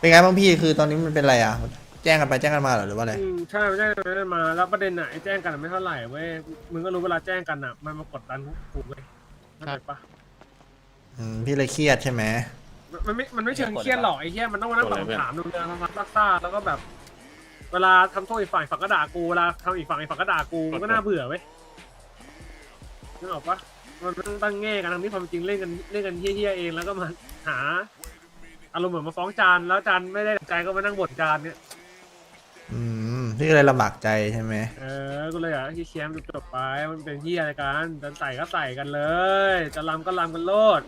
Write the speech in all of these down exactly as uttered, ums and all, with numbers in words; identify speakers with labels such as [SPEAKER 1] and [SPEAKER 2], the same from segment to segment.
[SPEAKER 1] เป็นไงบ้างพี่คือตอนนี้มันเป็นอะไรอ่ะแจ้งกันไปแจ้งกันมาเหรอหรือว่าอะไร
[SPEAKER 2] อืมใช่แจ้งกันมาแล้วประเด็นไหนแจ้งกันไม่เท่าไหร่เว้ยมึงก็รู้เวลาแจ้งกันอ่ะมันมากดดันพวกกูเว้ยเข้าใจปะ
[SPEAKER 1] อืมพี่เลยเครียดใช่ไหม
[SPEAKER 2] มันไม่มันไม่เชิงเครียดหรอกไอ้เหี้ยมันต้องมานั่งตอบคำถามดูเรื่องทำซักซ่าแล้วก็แบบ เวลาทำโทษอีกฝ่ายฝั่งก็ด่ากูเวลาทำอีกฝั่งอีกฝั่งก็ด่ากูมันก็น่าเบื่อเว้ยนึกออกปะมันต้องตั้งแง่กันทั้งที่ความจริงเล่นกันเล่นกันเฮี้ยๆเองแล้วก็มาหาอารมณ์เหมือนมาฟ้องจานแล้วจานไม่ได้ดั่งใจก็มานั่งบ่นจานเนี่ย
[SPEAKER 1] อืมพี่ก็เลยลำบากใจใช่ไหม
[SPEAKER 2] เออก็เลยอยากให้เคลียร์จบไปมันเป็นที่อะไรกันจะใส่ก็ใส่กันเลยจะลำก็ลำกันโลด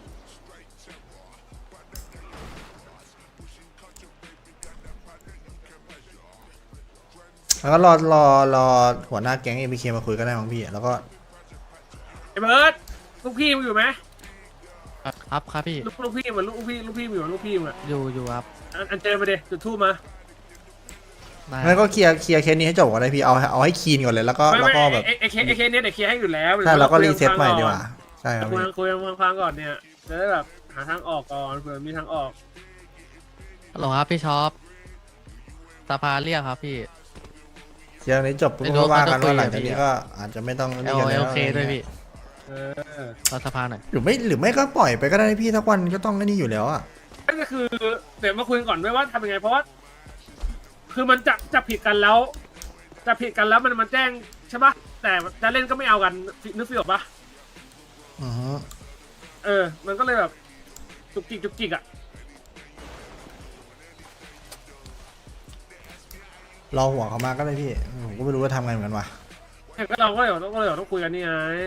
[SPEAKER 1] แล้วก็รอรอรอหัวหน้าแก๊งเอ็มพีเคมาคุยก็ได้มั้งพี่แล้วก็
[SPEAKER 2] ไอ้เบิร์ดลูกพี่มึงอยู่ไหม
[SPEAKER 3] ครับครับพี่
[SPEAKER 2] ลูกลูกพี่เหมือนลูกพี่ลูกพี่มึงอยู่ลูกพี่มึงอะ
[SPEAKER 3] อยู่อยู่ครับ
[SPEAKER 2] อันอันเจอมาเดจุดทูบมา
[SPEAKER 3] ได้
[SPEAKER 1] งั้นก็เคลียร์เคลียร์เคสนี้ให้จบก่อนเลยพี่เอาเอาให้คีนก่อนเลยแล้วก็
[SPEAKER 2] ไม่
[SPEAKER 1] แล้ว
[SPEAKER 2] ไม่
[SPEAKER 1] ก็แบบ
[SPEAKER 2] ไอ้ไอ้เคสไอ้เคสเนี้ยเดี๋ยวเคลียร์ให้อยู่แล้ว
[SPEAKER 1] ใช่แล้วก็รีเซ็ตใหม่ดีกว่าใช่ครับ
[SPEAKER 2] คุย
[SPEAKER 1] พี่
[SPEAKER 2] คุยคุยฟังก่อนเนี่ยจะได้แบบหาทางออกก่อนเผื่อมีทางออก
[SPEAKER 3] ฮัลโหลครับพี่ชอปสภาเรียกครับพี่
[SPEAKER 1] เคลียร์นี้จบปุ๊บก็ว่ากันว่าหลังจากนี้ก็อาจจะไม่ต้อง
[SPEAKER 3] เอ
[SPEAKER 1] นี่
[SPEAKER 3] ล
[SPEAKER 1] กัน
[SPEAKER 3] เอ
[SPEAKER 1] แล้ว
[SPEAKER 3] ลเคด้วยพี่
[SPEAKER 2] เออ
[SPEAKER 3] รอสภาหน่อย
[SPEAKER 1] หรือไม่หรือไม่ก็ปล่อยไปก็ได้พี่ทักวันก็ต้องนี่อยู่แล้วอ่ะ
[SPEAKER 2] นั่นก็คือเดี๋ยวมาคุยก่อนด้วยว่าทำยังไงเพราะว่าคือมันจะจะผิดกันแล้วจะผิดกันแล้วมันมันแจ้งใช่ปะแต่จะเล่นก็ไม่เอากันนึกฟิลออกปะ
[SPEAKER 1] อือฮึ
[SPEAKER 2] เออ มันก็เลยแบบจุกจิกจุกจิกอ่ะ
[SPEAKER 1] รอหัวเขามาก็ได้พี่ผมก็ไม่รู้ว่าทำไงเหมือนกันว่ะ
[SPEAKER 2] แต่ก็เราก็เดี๋ยวต้องก็เดี๋ยวต้องคุยกันนี่ไง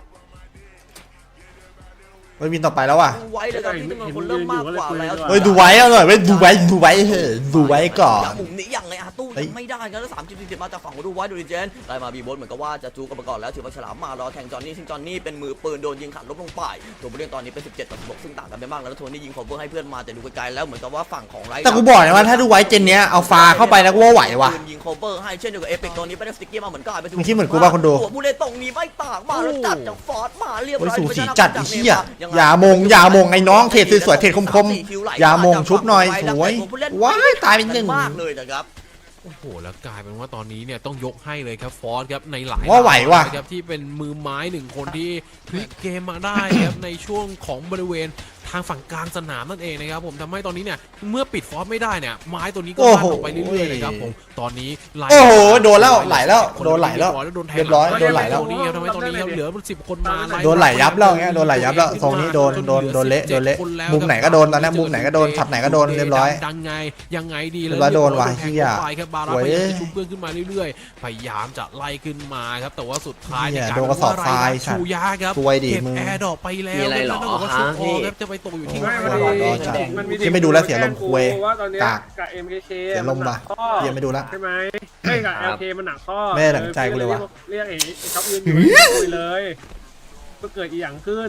[SPEAKER 1] เฮ้ยบินต่อไปแล้วว่ะ
[SPEAKER 4] ดูไว้เลยครับที่จำนวนคนเริ่มมากกว่าแล้ว
[SPEAKER 1] เฮ้ยดูไว้เอาหน่อยเว้ยดูไว้ดูไว้เฮ้ยดูไว้ก่อน
[SPEAKER 4] มุมนี้ยังไงอาตู้ยังไม่ได้ครับแล้วสามสิบสี่สิบมาจากฝั่งของดูไว้ดูดิเจนไล่มาบีโบสเหมือนกับว่าจะจูกันมาก่อนแล้วถือว่าฉลามมารอแทงจอนนี่ซึ่งจอนนี่เป็นมือปืนโดนยิงขาดลบลงไปตัวผู้เล่นตอนนี้เป็นสิบเจ็ดต่อสิบหกซึ่งต่างกันไปมากแล้วโทนี่ยิงคอเวอร์ให้เพื่อนมาแต่ดูไกลๆแล้วเหมือนกับว่าฝั่งของไร
[SPEAKER 1] แต่กูบอกนะว่าถ้าดูไว้เจนเนี้ยเอาฟาเข้าไปแล้วกูว่าไหวว่ะ
[SPEAKER 4] ยิงคอเวอร์ให้เช่นเดียวกับเอพิกตัวนี้ไปได้สติ๊กเกอร์มาเหมือนกันไป
[SPEAKER 1] มึงคิดเหมือนกูป่ะคนดู
[SPEAKER 4] ตัวผู้เล่นตรงนี้ไม่ต่างมาแล้วจัดจากฟอร์ดมาเรียบร้อย
[SPEAKER 1] สูสีจัดไอ้เหี้ยอย่ามงอย่ามงไอ้น้องเทรดสวยๆเทรดคมๆอย่ามงชุบหน่อยสวยว้ายตายเป็นหนึ่ง
[SPEAKER 4] มากเลยนะครับ
[SPEAKER 5] โอ้โหแล้วกลายเป็นว่าตอนนี้เนี่ยต้องยกให้เลยครับฟอสครับในหลาย
[SPEAKER 1] ว่าไหวว่ะ
[SPEAKER 5] ครับที่เป็นมือไม้หนึ่งคนที่พลิกเกมมาได้ครับในช่วงของบริเวณทางฝั่งกลางสนามนั่นเองนะครับผมทำให้ตอนนี้เนี่ยเมื่อปิดฟอสไม่ได้เนี่ยไม้ตัวนี้ก็ลั่นออกไปเรื่อยๆเลยครับผมตอนนี้
[SPEAKER 1] โอ้โหโดนแล้วไหลแล้วโดนไหลแล้วเรียบร้อยโดนไหลแล้ว
[SPEAKER 5] ตรงนี้ครับทำให้ตอนนี้ครับเหลือสิบคนมา
[SPEAKER 1] โดนไหลยับแล้วเงี้ยโดนไหลยับแล้วทรงนี้โดนโดนโดนเละโดนเละมุมไหนก็โดนตอนนี้มุมไหนก็โดนช็อตไหนก็โดนเรียบร้อย
[SPEAKER 5] ดังไงยังไงดี
[SPEAKER 1] แล้วโดนว่ะเฮีย
[SPEAKER 5] ครับบาราพยายามจะชุบเพื่อนขึ้นมาเรื่อยๆพยายามจะไล่ขึ้นมาครับแต่ว่าสุดท้าย
[SPEAKER 1] เนี่ยโดนกระสอบทราย
[SPEAKER 5] ชูยาครับ
[SPEAKER 1] ซวยดิมึง
[SPEAKER 5] แอร์ดอกไปแล้วแล้วต้องบอกว่าชุบออกครับจะไปตกอยู่ที่
[SPEAKER 1] ที่ไม่ดูแลเสียลมคุย
[SPEAKER 2] ว่าตอนนี้
[SPEAKER 1] กาก
[SPEAKER 2] กับ เอ็ม เค เค
[SPEAKER 1] เสียลมป่ะเฮียไม่ดูละ
[SPEAKER 2] ใช่ไหมไม่กับ แอล เค มันหนักข้อ
[SPEAKER 1] แม่หนังใจกูเลยว่ะ
[SPEAKER 2] เรียกไอ้ท็อปยืนอยู่คุยเลยก็เกิดอีหยังขึ้น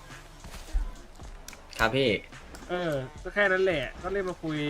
[SPEAKER 6] ครับพี่
[SPEAKER 2] เออก็แค่นั้นแหละก็เรียกมาคุย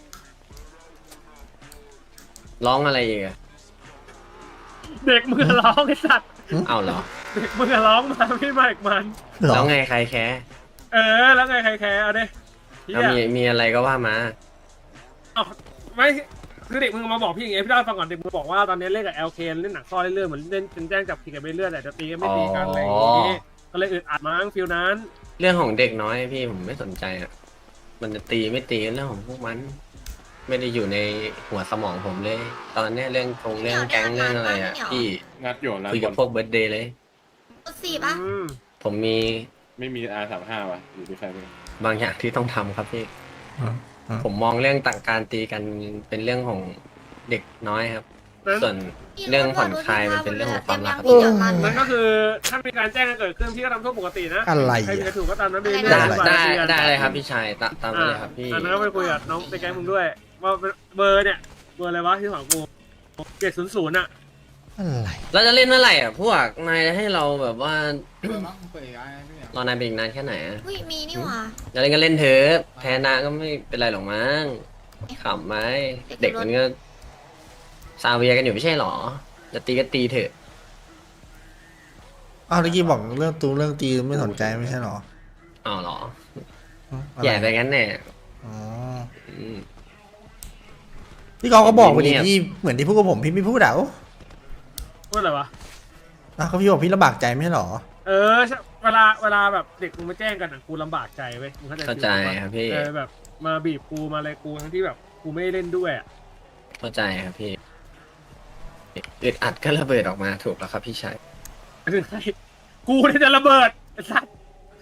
[SPEAKER 6] ร้องอะไรอีกอะ
[SPEAKER 2] เด็กมือร้องไอ้สัตว์
[SPEAKER 6] เอาเหรอ
[SPEAKER 2] เด็กมือร้องมาพี่มาอีกมัน
[SPEAKER 6] แล้วไงใครแคร์
[SPEAKER 2] เออแล้วไงใครแคร์เอาดิ
[SPEAKER 6] มีมีอะไรก็ว่ามา
[SPEAKER 2] เอาไม่คือเด็กมึงมาบอกพี่อย่างเงี้ยพี่เล่าให้ฟังก่อนเด็กมึงบอกว่าตอนนี้เล่นกับ แอล เค เล่นหนักข้อเรื่อยๆเหมือนเล่นเป็นแจ้งจับผิดกันไปเรื่อยแต่จะตีกันไม่ตีกันอะไรอย่างงี้ก็เลยอึดอัดมั้งฟิลนั้น
[SPEAKER 6] เรื่องของเด็กน้อยพี่ผมไม่สนใจอ่ะมันจะตีไม่ตีเรื่องของพวกมันไม่ได้อยู่ในหัวสมองผมเลยตอนนี้เรื่องคงเรื่องแก๊งเรื่องอะไรอ่ะพี่
[SPEAKER 7] งัดอยู่แล้ว
[SPEAKER 6] คุยกับพวกเบิร์ดเดย์เลย
[SPEAKER 8] สี่ปะ
[SPEAKER 6] ผมมี
[SPEAKER 7] ไม่มี อาร์ สามสิบห้า ว่ะอยู่ที่ใครไม่
[SPEAKER 6] บางอย่างที่ต้องทำครับพี่ผมมองเรื่องต่างการตีกันเป็นเรื่องของเด็กน้อยครับส่วนเรื่องผ่อนคลายมันเป็นเรื่องของความรัก
[SPEAKER 2] มันก็คือถ้ามีการแจ้งกันเกิดขึ้นพี่ก็ทำโทษปกตินะ
[SPEAKER 1] อะไร
[SPEAKER 2] ใครมีกระถูกก็ตามนั้นไปเรื่อย
[SPEAKER 6] ๆได้ได้เลยครับพี่ชายตามตามเลยครับพี่
[SPEAKER 2] อันนั้นก็ไปคุยกับน้องในแก๊งมึงด้วยว่าเบอร์เนี่ยเบอร์อะไรวะที่ของกูเจ็ดศูนย์ศูนย์อะ
[SPEAKER 1] อะไร
[SPEAKER 6] เราจะเล่นเมื่อไหร่อ่ะพวกนายให้เราแบบว่ารอนายเป็นอีกนานแค่ไหนอ่ะ
[SPEAKER 8] มีนี่หว่า
[SPEAKER 6] จะเล่นก็เล่นเถอะแพ้นะก็ไม่เป็นไรหรอกมั้งขำไหมเด็กมันก็ซาเวียกันอยู่ไม่ใช่หรอจะตีก็ตีเถอะ
[SPEAKER 1] อ้าวเมื่อกี้บอกเรื่องตูเรื่องตีไม่สนใจไม่ใช่หรอ
[SPEAKER 6] อ๋อหรอแย่ไปงั้นแน่
[SPEAKER 1] อ๋อพี่กอล์ฟก็บอกไปดิพี่เหมือนที่พูดกับผมพี่ไม่พูดอ่ะโอ้
[SPEAKER 2] พูดอะไรวะ
[SPEAKER 1] อ่ะก็พี่บอกพี่ลำบากใจไม่ใช่หรอ
[SPEAKER 2] เออใช่เวลาเวลาแบบเด็กมึงมาแจ้งกันอ่ะกูลำบากใจเว้ยมึงเข้าใจ
[SPEAKER 6] เข้าใจครับพี่
[SPEAKER 2] เออแบบมาบีบกูมาอะไรกูทั้งที่แบบกูไม่ได้เล่นด้วยอ่ะ
[SPEAKER 6] เข้าใจครับพี่อึดอัดก็ระเบิดออกมาถูกแล้วครับพี่ชาย
[SPEAKER 2] คือไงกูเนี่ยจะระเบิดไอ้สัส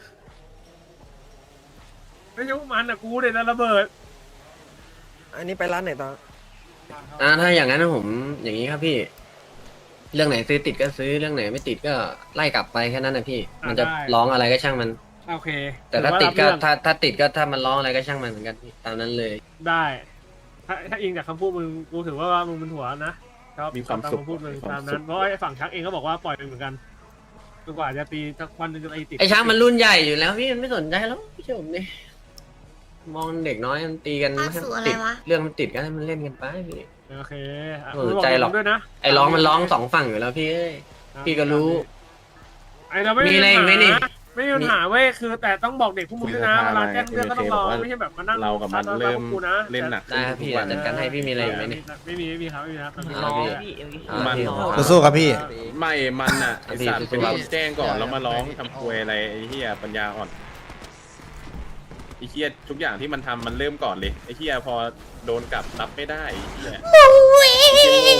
[SPEAKER 2] ไม่ใช่พวกมันอ่ะกูเนี่ยจะระเบิด
[SPEAKER 9] อันนี้ไปร้านไหนต่อ
[SPEAKER 6] อ่าถ้าอย่างนั้นผมอย่างนี้ครับพี่ เรื่องไหนซื้อติดก็ซื้อเรื่องไหนไม่ติดก็ไล่กลับไปแค่นั้นนะพี่ มันจะร้องอะไรก็ช่างมัน
[SPEAKER 2] โอเค
[SPEAKER 6] แต่ถ้าติดก็
[SPEAKER 2] ถือว่รับเรื่อง
[SPEAKER 6] ถ้าถ้าติดก็ถ้ามันร้องอะไรก็ช่างมันเหมือนกันพี่ตามนั้นเลย
[SPEAKER 2] ได้ ถ้าถ้าอิงจากคำพูดมึงกูถือว่ามึงเป็นหัวนะชอบ
[SPEAKER 7] มีความ
[SPEAKER 2] ตาม
[SPEAKER 7] สุข
[SPEAKER 2] คำพูดมึง
[SPEAKER 7] มีความ
[SPEAKER 2] ตาม
[SPEAKER 7] สุ
[SPEAKER 2] นั้น
[SPEAKER 7] ข
[SPEAKER 2] เพราะไอ้ฝั่งชักเองก็บอกว่าปล่อยไปเหมือนกันจนกว่าจะตีสักวันหนึงจะตีติด
[SPEAKER 6] ไอ้ช้างมันรุ่นใหญ่อยู่แล้วพี่มันไม่สนใจแล้วพี่ชมเนี่ยมองเด็กน้อยมันตีกัน
[SPEAKER 8] ภาคสูอะไร
[SPEAKER 6] ติด
[SPEAKER 8] วะ
[SPEAKER 6] เรื่องมันติดก็ให้มันเล่นกันไปพี่
[SPEAKER 2] โอเคอ่ะ
[SPEAKER 6] ไม่
[SPEAKER 2] มึง
[SPEAKER 6] สน
[SPEAKER 2] บอก
[SPEAKER 6] ใจหรอก
[SPEAKER 2] มึงด้วยนะ
[SPEAKER 6] ไอ้ร้องมันร้องสองฝั่งอยู่แล้วพี่เอ้ย พี่ก็รู้
[SPEAKER 2] ไอ้เราไม่
[SPEAKER 6] มีอะไรอีกไหมนี่
[SPEAKER 2] ไม่มีปัญหาเว้ยคือแต่ต้องบอกเด็กพวกมึงด้วยนะเวลาแจ้งเรื่องก็ต้องรอไม่ใช่แบบมานั่ง
[SPEAKER 7] เรากับมันเริ่ม
[SPEAKER 2] กูนะ
[SPEAKER 7] เล่นหนัก
[SPEAKER 6] ได้ครับพี่
[SPEAKER 7] ทุกวัน
[SPEAKER 6] จัดการให้พี่มีอะไรอีกไหมเนี่ย
[SPEAKER 2] ไม่มีไม่มีครับไม่มีครับ
[SPEAKER 6] รอ
[SPEAKER 7] มัน
[SPEAKER 1] สู้ๆครับพี่
[SPEAKER 7] ไม่มันอ่ะไอสัตว์
[SPEAKER 6] พี่
[SPEAKER 7] เป็นคนแจ้งก่อนแล้วมาร้องทำควยอะไรไอ้เหี้ยปัญญาอ่อนไอ้เหี้ยทุกอย่างที่มันทำมันเริ่มก่อนเลยไอ้เหี้ยพอโดนกลับรับไม่ได้ไอ้เหี้ย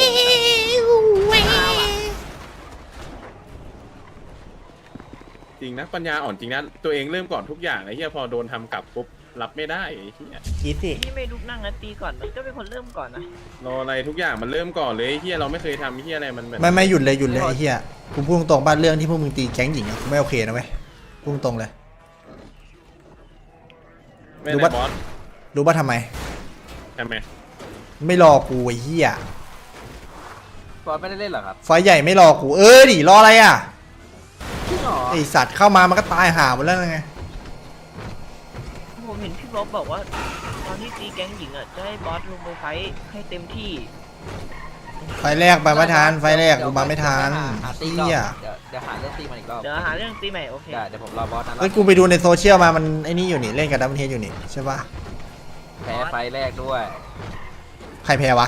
[SPEAKER 7] จริงนะปัญญาอ่อนจริงนะตัวเองเริ่มก่อนทุกอย่างไอ้เหี้ยพอโดนทำกลับปุ๊บรับไม่ได้ไอ้เหี้ย
[SPEAKER 1] คิดสิ
[SPEAKER 9] พี่ไม่ลุกนั่งนะตีก่อนมันก็เป็นคนเริ่มก่อนนะ
[SPEAKER 7] รออะไรทุกอย่างมันเริ่มก่อนเลยไอ้เหี้ยเราไม่เคยทำไอ้เหี้ยอะไรมันแบบ
[SPEAKER 1] ไม่ไม่หยุดเลยหยุดเลยไอ้เหี้ยกูพูดตรงๆบ้านเรื่องที่พวกมึงตีแก๊งหญิงอะกูไม่โอเคนะเว้ยพูดตรงๆเลย
[SPEAKER 7] ไม่
[SPEAKER 1] รู้
[SPEAKER 7] ได้
[SPEAKER 1] ปะ
[SPEAKER 7] บอส
[SPEAKER 1] รู้ป่ะทำไม
[SPEAKER 7] ทำไม
[SPEAKER 1] ไม่รอกูไอ้เหี้ย
[SPEAKER 9] บอสไม่ได้เล่นหรอครับ
[SPEAKER 1] ไฟใหญ่ไม่รอกูเออดิรออะไรอ่ะ
[SPEAKER 9] จริงหรอ
[SPEAKER 1] ไอสัตว์เข้ามามันก็ตายห่าหมดแล้วไง
[SPEAKER 9] ผมเห็นพี่บ๊อบบอกว่าตอนที่ตีแก๊งหญิงอ่ะจะให้บอสลงไปไฟท์ให้เต็มที่
[SPEAKER 1] ไฟแรกไปไม่ทันไฟแรกกูมาไม่ทันเหี้ย
[SPEAKER 9] เดี๋ยวเดี๋ยวหาเรื่องตีมันอีกรอบเดี๋ยวหาเรื่องตีใหม่โอเคเดี๋ยวผมรอบอสนะ
[SPEAKER 1] แล้วกูไปดูในโซเชียลมามันไอ้นี่อยู่นี่เล่นกับดับเบิลเฮดอยู่นี่ใช่ปะ
[SPEAKER 9] แพ้ไฟแรกด้วย
[SPEAKER 1] ใครแพ้วะ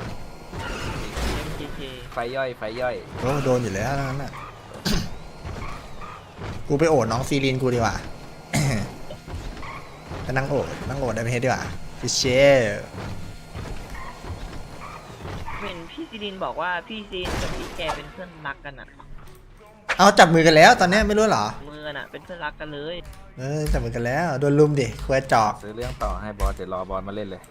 [SPEAKER 9] ไฟย่อยไฟย่อย
[SPEAKER 1] โอ้โดนอยู่แล้วนั่นน่ะ กูไปโอดน้องซีรีนกูดีกว่า ไปนั่งโอดนั่งโอดดับเบิลเฮดดีกว่าฟิเชอร์
[SPEAKER 9] เห็นพี่ซีรินบอกว่าพี่ซีรินกับพี่แกเป็นเพื่อนรักกันอ่ะ
[SPEAKER 1] เอาจับมือกันแล้วตอนเนี้ยไม่รู้เหรอ
[SPEAKER 9] มือน่ะเป็นเพื่อนรักกันเลย
[SPEAKER 1] เออจับมือกันแล้วโดนลุมดิควายจอก
[SPEAKER 9] ซื้อเรื่องต่อให้บอสเดี๋ยวรอบอสมาเล่นเลย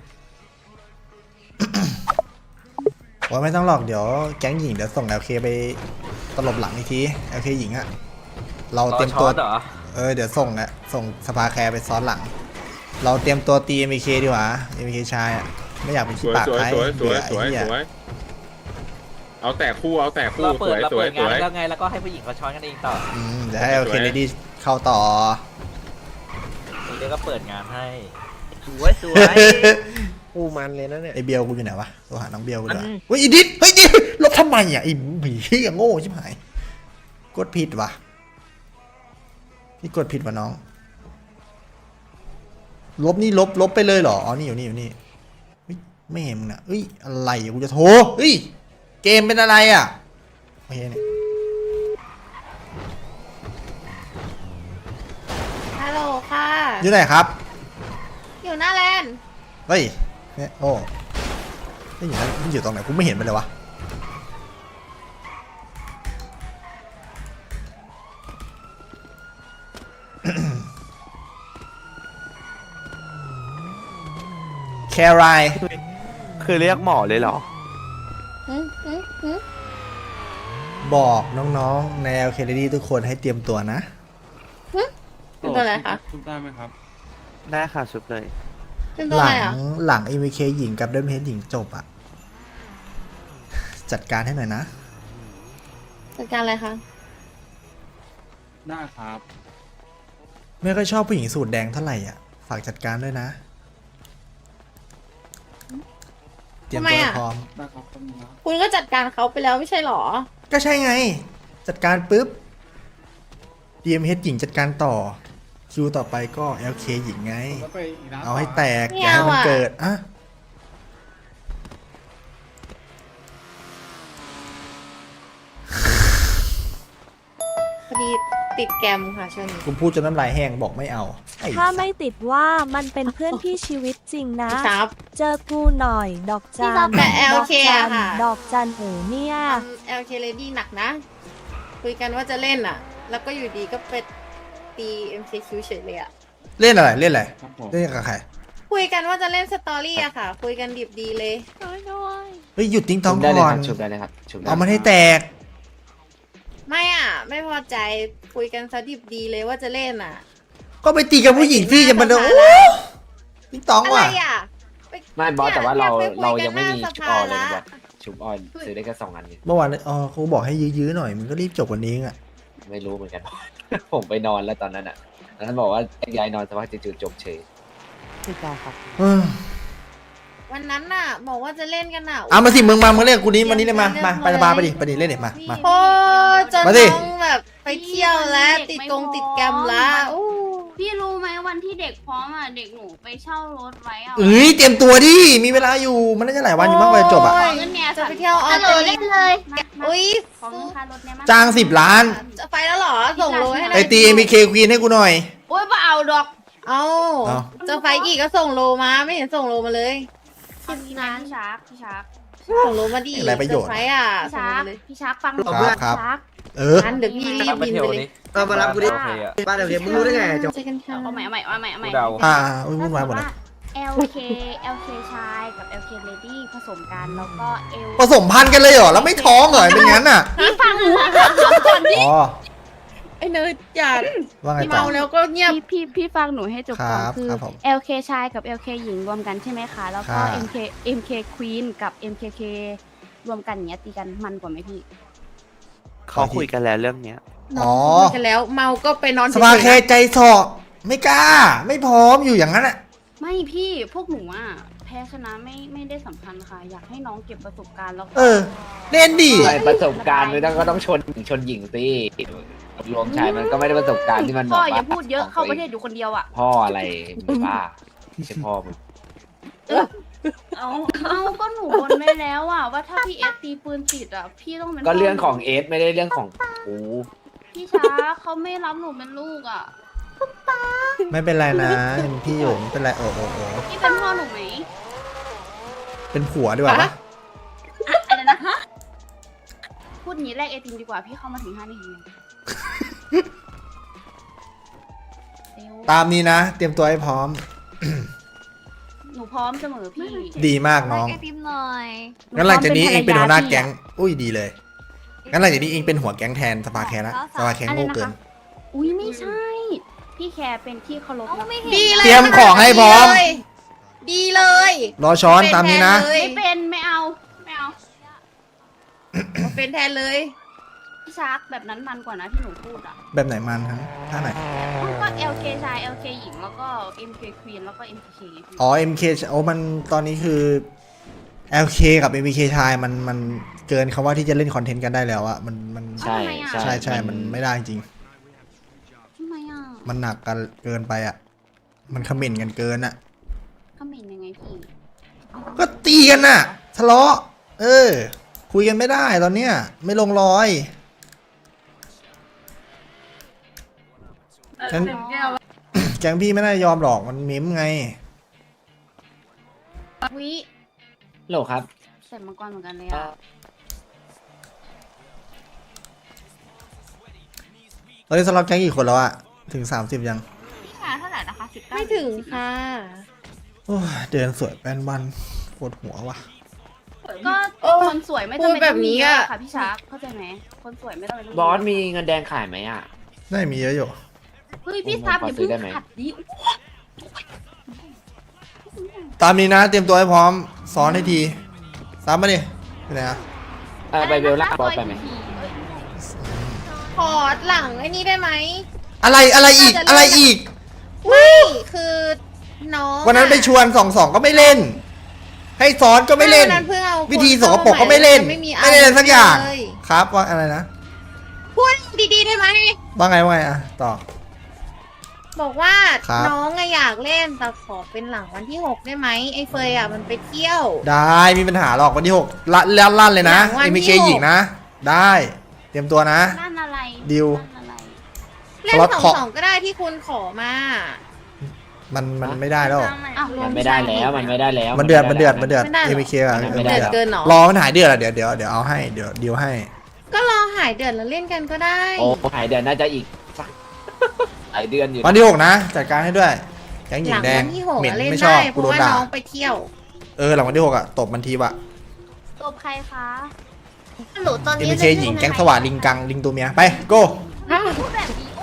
[SPEAKER 1] โอ้ยไม่ต้องหรอกเดี๋ยวแก๊งหญิงเดี๋ยวส่ง แอล เค ไปตลบหลังอีกที แอล เค หญิงอะเราเตรียมตัวเออเดี๋ยวส่งอะส่งสภาแคร์ไปซ้อนหลัง เราเตรียมตัวตี เอ็ม เค ดีกว่า เอ็ม เค ชายอะไม่อยากเป็น
[SPEAKER 7] ส
[SPEAKER 1] ขี้
[SPEAKER 7] วย
[SPEAKER 1] ปาก
[SPEAKER 7] สวย
[SPEAKER 1] ใคร
[SPEAKER 7] สวยส
[SPEAKER 1] เบื่
[SPEAKER 7] วย
[SPEAKER 1] อ
[SPEAKER 7] สวย
[SPEAKER 1] ไอ้เหี้ย
[SPEAKER 7] สวยเอาแต่คู่เอาแต่คู่
[SPEAKER 9] เรา
[SPEAKER 7] ส
[SPEAKER 9] เปิด
[SPEAKER 7] วย
[SPEAKER 9] เรา
[SPEAKER 7] สว
[SPEAKER 9] เปิ
[SPEAKER 7] ย
[SPEAKER 9] ด
[SPEAKER 7] ส
[SPEAKER 9] งาน
[SPEAKER 7] วย
[SPEAKER 9] แล้วไงแล้วก็ให้ผู้หญิงเขาช้อนกันเองต่อ
[SPEAKER 1] อืมเดี๋ยวให้ แอล เค เลดี้เข้าต่อ
[SPEAKER 9] เดี๋ยวก็เปิดงานให้สวยสวยกูมันเลยนะเนี่ย
[SPEAKER 1] ไอเบลกูอยู่ไหนวะตัวหาน้องเบลกูเดี๋ยว
[SPEAKER 9] มัน
[SPEAKER 1] เฮ้ยอีดิสเฮ้ยดิลบทำไมอ่ะไอ้ผีเหี้ยโง่ชิบหายกดผิดวะพี่กดผิดวะน้อง ลบนี่ลบลบไปเลยเหรออ๋อนี่อยู่นี่อยู่นี่เฮ้ยไม่เห็นมึงนะเฮ้ยอะไรอ่ะกูจะโทรเฮ้ยเกมเป็นอะไรอ่ะโอเคเนี่ย
[SPEAKER 8] ฮัลโหลค่ะ
[SPEAKER 1] อยู่ไหนครับ
[SPEAKER 8] อยู่หน้าแลนด์
[SPEAKER 1] เฮ้ยเนี่ยโอ้ไม่อยู่นั่นมันอยู่ตรงไหนกูไม่เห็นมันเลยวะ แคราย
[SPEAKER 9] คือเรียกหมอเลยเหรอ
[SPEAKER 8] อืมอืมอืม
[SPEAKER 1] บอกน้องๆใน แอล เค Lady ทุกคนให้เตรียมตัวนะ
[SPEAKER 8] เป็นตัวอะไรคะ
[SPEAKER 7] ทุบได้ไหมครับ
[SPEAKER 9] ได้ค่ะชุบเลย
[SPEAKER 8] เป็นตัว
[SPEAKER 1] ห
[SPEAKER 8] อะ
[SPEAKER 1] ลั
[SPEAKER 8] ไรอ่ะ
[SPEAKER 1] หลัง เอ็ม เค หญิงกับเดิมเฮดหญิงจบอะจัดการให้หน่อยนะ
[SPEAKER 8] จัดการอะไรคะ
[SPEAKER 7] ได้ครับ
[SPEAKER 1] ไม่ค่อยชอบผู้หญิงสูตรแดงเท่าไหร่อ่ะ ฝากจัดการด้วยนะ เตรียมตัวให้พร้อม
[SPEAKER 7] ได้ครับต้นนะ
[SPEAKER 8] คุณก็จัดการเขาไปแล้วไม่ใช่หรอ
[SPEAKER 1] ก็ใช่ไง จัดการปุ๊บ ดี เอ็ม เอช หญิงจัดการต่อ คิวต่อไปก็ แอล เค หญิงไง เอาให้แตก
[SPEAKER 8] ไม่
[SPEAKER 1] อย่าให้มัน
[SPEAKER 8] เอาอะ
[SPEAKER 1] เกิดอะ
[SPEAKER 8] อดีติดแกรมค่ะช่วงนี้
[SPEAKER 1] กูพูดจนน้ำลายแห้งบอกไม่เอาไอ้
[SPEAKER 10] ถ้าไม่ติดว่ามันเป็นเพื่อนที่ชีวิตจริงนะ
[SPEAKER 8] ครับ
[SPEAKER 10] เจอกูหน่อย ดอกจัน
[SPEAKER 8] แต่
[SPEAKER 10] ดอก
[SPEAKER 8] LK
[SPEAKER 10] จัน
[SPEAKER 8] อะค่ะ
[SPEAKER 10] ดอกจันเอ๋เนี่ย
[SPEAKER 8] แอลเคเลดี้หนักนะ คุยกันว่าจะเล่นอ่ะ แล้วก็อยู่ดีก็ไปตี เอ็ม เค คิว เฉยเลยอ่ะ
[SPEAKER 1] เล่นอะไรเล่นอะไรเล่นกับใคร
[SPEAKER 8] คุยกันว่าจะเล่นสตอรี่อะค่ะ คุยกันดิบดีเลย
[SPEAKER 1] เฮ้ยหยุดติ้งท้อง
[SPEAKER 6] ได้เลย
[SPEAKER 1] ก่อ
[SPEAKER 6] คน รับชุบได้เลยครับชุบได้
[SPEAKER 1] เอามันให้แตก
[SPEAKER 8] ไม่อ่ะ ไม่พอใจคุยกันซะดิบดีเลยว่าจะเล่นอ่ะ
[SPEAKER 1] ก็ไปตีกับผู้หญิงที่จะมาโดน
[SPEAKER 8] ไป
[SPEAKER 1] โอ้
[SPEAKER 8] ถึงหน้าสภา
[SPEAKER 1] ติ้งท้อง
[SPEAKER 8] อะไร
[SPEAKER 1] ว่ะ
[SPEAKER 8] อ่ะป
[SPEAKER 6] ไม่บอสแต่ว่าเรา
[SPEAKER 8] นี่
[SPEAKER 6] เรา
[SPEAKER 8] คุ
[SPEAKER 6] ยังไม่มี
[SPEAKER 8] กันห
[SPEAKER 6] ชุบ
[SPEAKER 8] น้า
[SPEAKER 6] ออยเลย
[SPEAKER 8] ส
[SPEAKER 6] นะ
[SPEAKER 8] ภา
[SPEAKER 6] บอสชุบออยซื้อได้แค่สองอันนี้
[SPEAKER 1] เมื่อวานอ๋อเขาบอกให้ยื้อๆหน่อยมันก็รีบจบวันนี้เองอ่ะ
[SPEAKER 6] ไม่รู้เหมือนกัน ผมไปนอนแล้วตอนนั้นอ่ะแล้วท่านบอกว่าแยกย้ายนอนสักพักจู่ๆจบเฉย
[SPEAKER 1] เออ
[SPEAKER 8] วันนั้นน่ะ บอกว่าจะเล่นกันอ่ะ
[SPEAKER 1] เอามาสิมึงมามึงเล่นกูนี้มานี่เลยมามาไปสภาไปดิไปดิเล่นเด็มามา
[SPEAKER 8] โอ้จน
[SPEAKER 1] มาสิ
[SPEAKER 8] น้องแบบไปเที่ยวแล้วติดกงติดแกรมแล้วอู้
[SPEAKER 11] พี่รู้ไหมวันที่เด็กพร้อมอ่ะเด็กหนูไปเช่ารถไว้อ่ะ
[SPEAKER 1] เอ้ยเตรียมตัวดิมีเวลาอยู่มันน่าจะหลายวันอยู่บ้างไปจบอ่ะ
[SPEAKER 8] โย
[SPEAKER 11] เงินเนี่ย
[SPEAKER 8] จะไปเที่ยวออ
[SPEAKER 11] จะ
[SPEAKER 8] ส
[SPEAKER 11] โหล
[SPEAKER 8] เตร
[SPEAKER 11] ด
[SPEAKER 8] เลี
[SPEAKER 11] เล่
[SPEAKER 8] ย
[SPEAKER 11] นเลยมา
[SPEAKER 8] อุ้ย
[SPEAKER 11] ของเงินค่ารถเนี่ยมา
[SPEAKER 1] จ้างสิบล้าน
[SPEAKER 8] จะไปแล้วเหรอ ส่งโลให้
[SPEAKER 1] ไอตีเอ็มบีเคควีนให้กูหน่อย
[SPEAKER 11] โอ้ยมาเอาดอก
[SPEAKER 8] เอา
[SPEAKER 1] เอา
[SPEAKER 8] จะไปอีกก็ส่งโลมาไม่เห็นส่งโลมาเลย
[SPEAKER 11] พี่นะพี่ชาร์กพี่ชาร์ก
[SPEAKER 8] ส่งโลมาดิ
[SPEAKER 1] อะไรประโยชน์
[SPEAKER 8] จไปอ่ะ
[SPEAKER 11] พี่
[SPEAKER 8] ส่ง
[SPEAKER 11] ชาร์
[SPEAKER 8] มาก เลย
[SPEAKER 11] พี่ชาร์กฟังหนู
[SPEAKER 1] ครับ
[SPEAKER 11] พี่
[SPEAKER 1] ครับ
[SPEAKER 11] ชาร์ก
[SPEAKER 1] เออ
[SPEAKER 8] งั้นเดี๋ยวพี่รีบบินไปเลย
[SPEAKER 9] เออมารับกูดิ
[SPEAKER 11] บ้านเดี๋ยวมึงรู้ได้ไง
[SPEAKER 8] เจอกันค่ะ
[SPEAKER 11] เอาใหม่เอาใหม่เอาใหม่เอาใหม่
[SPEAKER 1] อ่าอุ้ยวุ่นวายหมดเลย
[SPEAKER 11] แอลเค แอล เค ชายกับ แอล เค Lady ผสมกันแล้วก็ L
[SPEAKER 1] ผสมพันธุ์กันเลยเหรอแล้วไม่ท้องเหรอเป็นงั้นอ่ะ
[SPEAKER 11] พี่ฟังหนูก่อนดิ
[SPEAKER 1] อ๋อ
[SPEAKER 8] ไอ้เนยอย่า
[SPEAKER 1] ว่าไงต่อ
[SPEAKER 8] เมาแล้วก็เงียบ
[SPEAKER 11] พี่พี่พี่ฟังหนูให้จบก่อน
[SPEAKER 1] ครับ
[SPEAKER 11] คือ
[SPEAKER 1] ครับผม
[SPEAKER 11] แอล เค ชายกับ แอล เค หญิงรวมกันใช่ไหมคะ แล้วก็
[SPEAKER 1] ค่ะ
[SPEAKER 11] เอ็ม เค เอ็ม เค Queen กับ เอ็ม เค เค รวมกันอย่างเงี้ยตีกันมันกว่าไหมพี่
[SPEAKER 9] เขาคุยกันแล้วเรื่องเนี้ย
[SPEAKER 1] อ๋อ
[SPEAKER 8] คุยกันแล้วเมาก็ไปนอน
[SPEAKER 1] สภาแค่
[SPEAKER 8] เฉยๆนะ
[SPEAKER 1] ใจสอไม่กล้า ไม่พร้อมอยู่อย่างนั้นอ่ะ
[SPEAKER 11] ไม่พี่พวกหนูอะแพ้ชนะไม่ไม่ได้สำคัญค่ะ อยากให้น้องเก็บประสบการณ์แล้วก็
[SPEAKER 1] เออ เล่นดิ
[SPEAKER 6] ไม่ประสบการณ์มันต้องก็ต้องชนชนหญิงสิรวมชายมันก็ไม่ได้ประสบการณ์ที่มัน
[SPEAKER 11] พ่อ
[SPEAKER 6] แบบ
[SPEAKER 11] อย่า
[SPEAKER 6] ว่า
[SPEAKER 11] พูดเยอะเข้าประเทศอยู่คนเดียวอะ
[SPEAKER 6] พ่ออะไรมึงบ้าไม่ใช่พ่อมึง
[SPEAKER 11] เอาเอาก็หนูบนไว้แล้วอะว่าถ้าพี่เอสตีปืนติดอะพี่ต้องเป็น
[SPEAKER 6] ก็เรื่อง
[SPEAKER 11] พ่
[SPEAKER 6] ของเอสไม่ได้เรื่องของกู
[SPEAKER 11] พี่ช้าเขาไม่รับหนูเป็นลูกอะ
[SPEAKER 1] ไม่เป็นไรนะยังพี่อยู่ไม่เป็นไรโอ้โอ้โอ้
[SPEAKER 11] พี่เป็นพ่อหนูไหม
[SPEAKER 1] เป็นผัวดีกว่าปะ
[SPEAKER 11] อะไรนะพูดอย่างนี้แรกเอติมดีกว่าพี่เข้ามาถึงห้านาทีเร็ว
[SPEAKER 1] ตามนี้นะ เตรียมตัวให้พร้อม
[SPEAKER 11] หนูพร้อมเสมอพี่
[SPEAKER 1] ดีมากน้อง
[SPEAKER 8] ไอติมหน่อย
[SPEAKER 1] งั้นหลังจากนี้เองเป็นหัวหน้าแก๊ง อุ้ยดีเลย งั้นหลังจากนี้เองเป็นหัวแก๊งแทนสภาแคร์ละสภาแคร์โง่เกิน
[SPEAKER 11] อุ้ยไม่ใช่ พี่แคร์เป็นที่เคารพนะ
[SPEAKER 8] ดีเลย
[SPEAKER 1] เตรียมของให้พร้อม
[SPEAKER 8] ดีเลย
[SPEAKER 1] รอช้อนตามนี้นะ
[SPEAKER 11] ไม่เป็นไม่เอาไม่เอา
[SPEAKER 8] เป็นแทนเลย
[SPEAKER 11] พี่ชาร์กแบบนั้นมันกว่านะที่หนูพูดอ่ะ
[SPEAKER 1] แบบไหนมันครับท่าไหน
[SPEAKER 11] ก็ แอล เค ชาย แอล เค หญิงแล้วก็ เอ็ม เค Queen แล้วก็ เอ็ม เค
[SPEAKER 1] อ๋อ เอ็ม เค โอ้มันตอนนี้คือ แอล เค กับ เอ็ม เค ชายมันมันเกินคำว่าที่จะเล่นคอนเทนต์กันได้แล้วอะมันมัน
[SPEAKER 6] ใช่
[SPEAKER 1] ใช่ใช่มันไม่ได้จริง
[SPEAKER 11] ทำไมอ่ะ
[SPEAKER 1] มันหนักกันเกินไปอะมันคอมเมนต์กันเกินอะ
[SPEAKER 11] คอมเมนต์ยังไงพี่
[SPEAKER 1] ก็ตีกันน่ะทะเลาะ เออ คุยกันไม่ได้ตอนเนี้ย ไม่ลงรอยฉัน แก๊งพี่ไม่ได้ยอมหรอกมันมิมไง
[SPEAKER 11] วิ
[SPEAKER 6] โหลครับ
[SPEAKER 11] ใส่มังกรเหมือนกันเลยอ่ะ
[SPEAKER 1] ตอนนี้สล็อตแก๊งกี่คนแล้วอะถึงสามสิบยัง
[SPEAKER 11] พี่ชาเท่าไหร่นะคะสิบเก้า
[SPEAKER 8] ไม่ถึงค่ะ
[SPEAKER 1] โอ้ยเดินสวยแป้นวันปวดหัวว่ะ
[SPEAKER 11] ก็
[SPEAKER 8] โอ้
[SPEAKER 11] คนสวยไม่
[SPEAKER 8] พู
[SPEAKER 11] จำ
[SPEAKER 8] ด
[SPEAKER 11] เป็น
[SPEAKER 8] แบ
[SPEAKER 11] ต้อบ งมี
[SPEAKER 8] นี้
[SPEAKER 11] เย
[SPEAKER 8] อะ
[SPEAKER 11] อะค่ะพี่ชาร์กเข้าใจไหมคนสวยไม่ต้องเป็น
[SPEAKER 6] บอสมีเงินแดงขายไหมอ่ะ
[SPEAKER 1] ได้มีเยอะอยู่
[SPEAKER 11] เฮ้ยพี่ซับอย่าเพิ่งขัดดิ
[SPEAKER 1] ตามนี้นะ เตรียมตัวให้พร้อมซ้อนให้ทีซ้ำมาดิไปไหนอะ
[SPEAKER 6] เออไปเบลล่าบอสไปไหม
[SPEAKER 8] ขอหลังไอ้นี่ได้ไหม
[SPEAKER 1] อะไรอะไรอีกอะไรอีก
[SPEAKER 8] ไม่คือน้อง
[SPEAKER 1] วันนั้นไปชวนสองสองก็ไม่เล่น ให้ซ้อนก็ไม่เล่น
[SPEAKER 8] วันนั้นเพิ่งเอาคน
[SPEAKER 1] วิธีสกปรกก็ไม่เล่น
[SPEAKER 8] ไม่มี
[SPEAKER 1] ไม่เล่นสักอย่าง
[SPEAKER 8] เลย
[SPEAKER 1] ครับว่าอะไรนะ
[SPEAKER 8] พูดดีๆได้ไหม
[SPEAKER 1] ว่าไงว่าไงอะต่อ
[SPEAKER 8] บอกว่า
[SPEAKER 1] ครับ
[SPEAKER 8] น้องอะอยากเล่นแต่ขอเป็นหลังวันที่หกได้ไหมไอ้เฟยอะมันไปเที่ยว
[SPEAKER 1] ได้มีปัญหาหรอกวันที่หกลั่นลั่นลั่นเลยนะ
[SPEAKER 8] หลังวัน
[SPEAKER 1] เอ็ม
[SPEAKER 8] ที่
[SPEAKER 1] เค
[SPEAKER 8] หก
[SPEAKER 1] หญิงนะ ได้ เตรียมตัวนะ
[SPEAKER 11] นั่นอะไร
[SPEAKER 1] ดิว
[SPEAKER 11] นั่นอะไร
[SPEAKER 8] เล่น
[SPEAKER 1] สล็อต
[SPEAKER 8] สอง
[SPEAKER 1] ขอ
[SPEAKER 8] สองก็ได้ที่คุณขอมา
[SPEAKER 1] มันมันไม่ได้แล้ว
[SPEAKER 8] อ้าว
[SPEAKER 9] มันไม่ได้แล้วมันไม่ได้แล้ว
[SPEAKER 1] มันเดือดมันเดือดมันเดือด
[SPEAKER 8] ไม่ได้หรอ
[SPEAKER 1] เอ เคอะ
[SPEAKER 9] ไม่ได้
[SPEAKER 8] เดือดเกินเหรอ
[SPEAKER 1] รอมันหายเดือดอะเดี๋ยวเดี๋ยวเดี๋ยวเอาให้เดี๋ยวเดี๋ยวให้
[SPEAKER 8] ก็รอหายเดือดแล้วเล่นกันก็ได้
[SPEAKER 9] โอ้หายเดือนน่าจะอีกหลายเดือนอยู่
[SPEAKER 1] วันที่หกนะจัดการให้ด้วยแก๊งหญิ
[SPEAKER 8] หลั
[SPEAKER 1] ง
[SPEAKER 8] ง
[SPEAKER 1] แดง
[SPEAKER 8] วันที่หก
[SPEAKER 1] เหม็น
[SPEAKER 8] อะเล่น
[SPEAKER 1] ไม่ชอ
[SPEAKER 8] ได้
[SPEAKER 1] บ
[SPEAKER 8] เพ
[SPEAKER 1] กู
[SPEAKER 8] ราะ
[SPEAKER 1] โดน
[SPEAKER 8] ว่า
[SPEAKER 1] ด่า
[SPEAKER 8] น้องไปเที่ยว
[SPEAKER 1] เออหลังวันที่หกอะตบมันทีวะ
[SPEAKER 11] ตบใครคะ
[SPEAKER 8] หนูตอน
[SPEAKER 1] เอ็
[SPEAKER 8] นี้
[SPEAKER 1] มเคหญิงแก๊งสว่านลิงกังลิงตัวเมียไปโก้
[SPEAKER 11] พูดแบบนี้